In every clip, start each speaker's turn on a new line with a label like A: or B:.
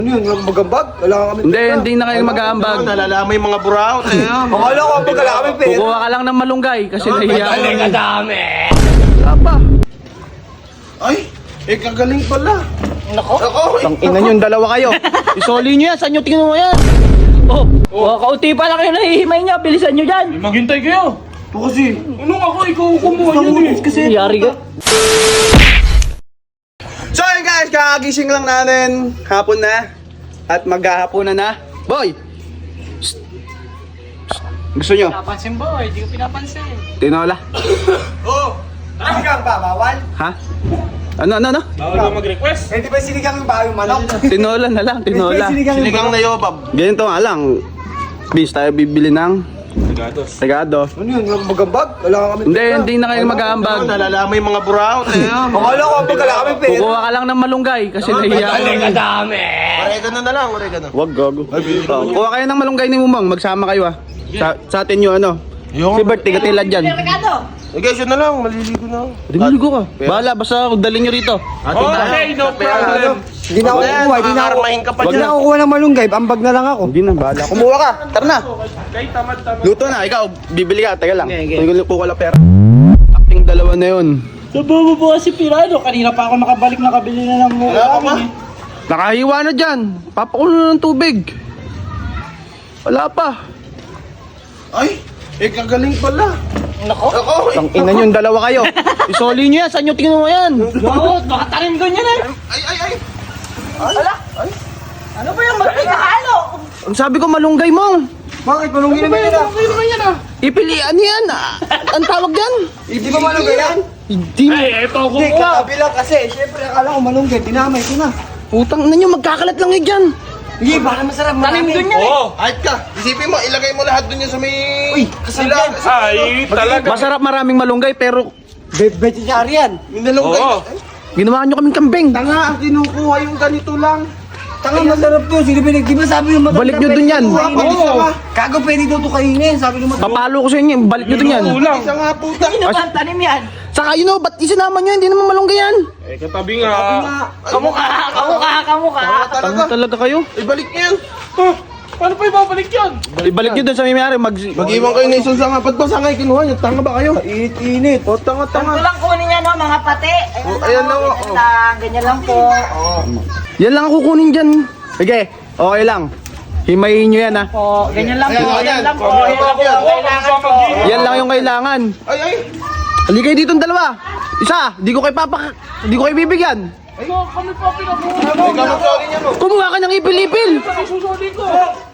A: Ano yun? Magambag? Wala kami
B: Hindi na kayo mag-aambag.
C: Nalalamay mga buraot eh.
A: Akala ko pag wala kami pera.
B: Kukuha ka lang ng malunggay kasi nahiya ka.
A: kadami.
B: Wala pa.
C: Ay, kagaling pala.
A: Nako.
B: Ang ina nyo, dalawa kayo. Isoli nyo yan, saan nyo tingnan mo yan? Kauti pa lang kayo nahihimay nyo, bilisan nyo dyan.
D: Maghintay kayo.
A: Ito kasi.
D: Anong ako? Ikaw kumuha yan eh.
A: Kasi.
B: Yari ka.
E: So yun guys, kakagising lang natin. Hapon na. At maghahaponan na. Boy! Psst. Psst. Gusto nyo?
D: Pinapansin boy, di ko pinapansin.
E: Tinola?
A: Oh. Sinigang ba? Bawal?
E: Ha? Ano?
D: Bawal ba mag-request?
A: Hindi ba sinigang yung bayo manok?
E: Tinola na lang, tinola.
C: Sinigang na yobab.
E: Ganito nga lang. Bis, tayo bibili ng regado.
A: Ano yun? Magambag? Wala kami
B: Hindi na kayo mag-aambag.
C: Nalalamay mga buraot eh.
A: Akala ko pag wala kami pera.
B: Kukuha ka lang ng malunggay kasi nahiya ka.
A: kadami.
C: Oregano na lang, oregano.
E: Wag gago. Kuha kayo ng malunggay ni Mumang, magsama kayo ah. Sa atin yung ano. Si Bert, tigatilad dyan.
C: Eh guys, yun na lang, maliligo na ako.
B: Di maligo ka. Bahala, basta dalhin nyo rito.
D: Okay, no problem.
A: Hindi na ako kukuha. Hindi na ako.
C: Karmahin ka pa
A: Hindi
C: dyan.
A: na ako kukuha ng malunggay. Ambag na lang ako.
E: Hindi na, bahala. Kumuha ka, tara na.
D: Kay tamad-tamad.
E: Luto na, ikaw, bibili ka, teka lang. Kuha lang pera. Acting dalawa na yun.
D: Nabawa po kasi pirado. Kanina pa ako nakabalik nakabili na ng mukha namin eh.
E: Nakahiwa na dyan. Papakulo na ng tubig. Wala pa.
C: Ay, kagaling pala.
D: Nako.
E: Ang ina nyo, dalawa kayo. Isoli nyo yan, saan nyo tingnan mo yan?
D: Bakit? Baka tanim doon yan eh.
C: Ay.
D: Ano ba yung magpigahalo?
E: Ang sabi ko, malunggay mo.
A: Bakit? Malunggay naman yun ah.
E: Ipilian yan. Ang tawag yan.
A: Hindi ba malunggay yan?
E: Hindi.
D: Ay, eto ko
A: Hindi,
D: po.
A: kakabilang kasi. Siyempre, akala ko malunggay. Dinamay ko na.
E: Putang ina nyo, magkakalat lang yun dyan.
A: Hindi, baka masarap.
D: Tanim doon yan eh.
C: Oo, ayat ka. Isipin mo, ilagay mo lahat dun yan sa may...
A: Uy, kasama yan.
D: Ay, talaga.
E: Masarap maraming malunggay, pero
A: Vegetarian.
C: May nalunggay.
D: Oo.
E: ginawa nyo kaming kambing.
C: Tanga, ang kinukuha yung ganito lang.
A: Tanga, masarap to. Sino ba di ba sabi yung matanda?
E: Balik nyo dun yan.
A: Kago, pwede daw to kainin. Sabi ng matanda.
E: Papalo ko sa inyo, balik nyo dun yan.
D: Ulang.
C: Isa nga puta.
D: Tanim yan.
E: Saka yun o, ba't isinama nyo? Hindi naman malunggay yan.
D: Eh, katabi nga. Kamukha.
E: Tanga talaga kayo.
C: Ibalik niyo yan.
D: Huh, paano pa ibabalik yan?
E: Ibalik nyo dun sa may-ari,
C: Mag-iwan kayo na isang sanga. Ba't ba sangay kinuha niyo? Tanga ba kayo?
A: Init.
C: O, tanga-tanga.
F: Ito lang kunin niya no, mga pati.
C: Oh, ayan na, oh.
F: Ganyan lang, ganyan lang po.
E: Yan lang ang kukunin dyan. Sige, okay lang. Himayin nyo yan ha.
F: Po, ganyan lang po,
C: Ayan,
F: ganyan lang po.
C: ayan.
F: Yan lang po ang kailangan po.
E: Yan lang yung kailangan.
C: Ay.
E: Halika kayo dito ang dalawa. Isa, di ko kayo bibigyan.
D: Kami pa pinabuhay.
C: Ikaw mag-sorry niya mo.
E: Kumuha ka ng ipil-ipil.
D: Susuli ko.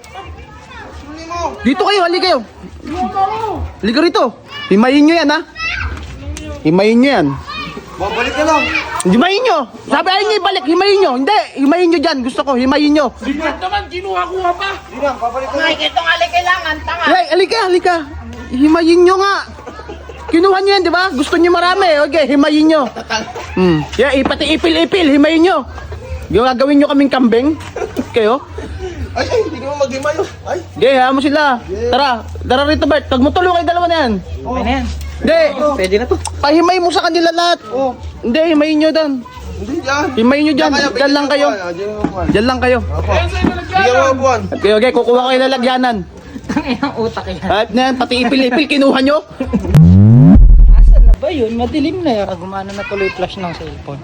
E: Dito kayo, halika kayo. Halika rito. Himayin nyo yan ha. Himayin nyo yan.
A: Babalik na lang.
E: Himayin nyo. Sabi ayun nyo ibalik, himayin nyo. Hindi, himayin nyo dyan. Gusto ko, himayin nyo.
D: Bigyan naman, kinuha-kuha pa.
A: Hindi na, babalik na lang.
F: Mike, ito nga lang kailangan, tanga.
E: Halika. Himayin nyo nga. Kinuha nyo yan, di ba? Gusto nyo marami. Okay, himayin nyo. Yeah, pati ipil-ipil, himayin nyo. Gagawin nyo kaming kambing. Kayo?
C: Ay, hindi naman mag-himay. Ay.
E: Okay, hayaan mo sila. Tara rito Bert. Pag mo tulong kayo dalawa na yan.
F: Okay na yan.
E: Hindi. Pwede na to. Pahimay mo sa kanila lahat. Hindi, himayin nyo doon.
C: Hindi dyan.
E: Himayin nyo dyan. Dyan lang kayo.
C: Diyan
E: Dyan lang kayo.
D: Ayan sa'yo
C: Bigyan mo ang buwan.
E: Okay, kukuha kayo ng lagyanan.
F: Ang utak yan.
E: At na yan, pati ipil-ipil, kinuha nyo.
F: Asan na ba yun? Madilim na yan. Gumana na tuloy flash ng cellphone.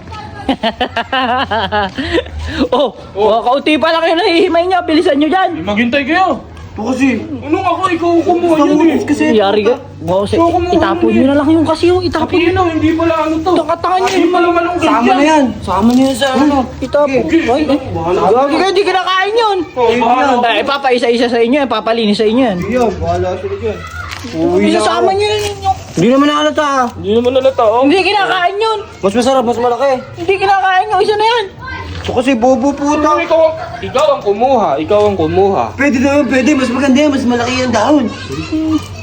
B: Kauti pa lang kayo nahihimay nyo, bilisan nyo dyan.
D: Maghintay kayo.
A: Ito kasi.
D: Anong ako? Ikaw kumuha yan eh.
A: Kasi.
B: Yari ka. Itapon nyo na lang yung kasi yung itapon nyo
D: Tapos yun
B: na.
D: hindi pala ano to.
B: Tanga nyo.
D: Hindi pala malunggay
A: Sama na yan. Sama na yan sa ano.
B: Itapon. Gagi kayo, di kinakain yun. Papa, isa-isa sa inyo yan, papalinis sa inyo yan.
A: Yan, bahala sila dyan. Uwi na
B: Isasama
A: ako.
B: nyo na ninyo.
A: Hindi naman nakalata ah.
D: Hindi naman nalata oh.
B: Hindi kinakain yun.
A: Mas masarap, mas malaki.
B: Hindi kinakain yung isa na yan.
A: Ito kasi bobo puta.
D: Ikaw ang kumuha.
A: Pwede na yun, pwede. Mas maganda yan, mas malaki yung dahon.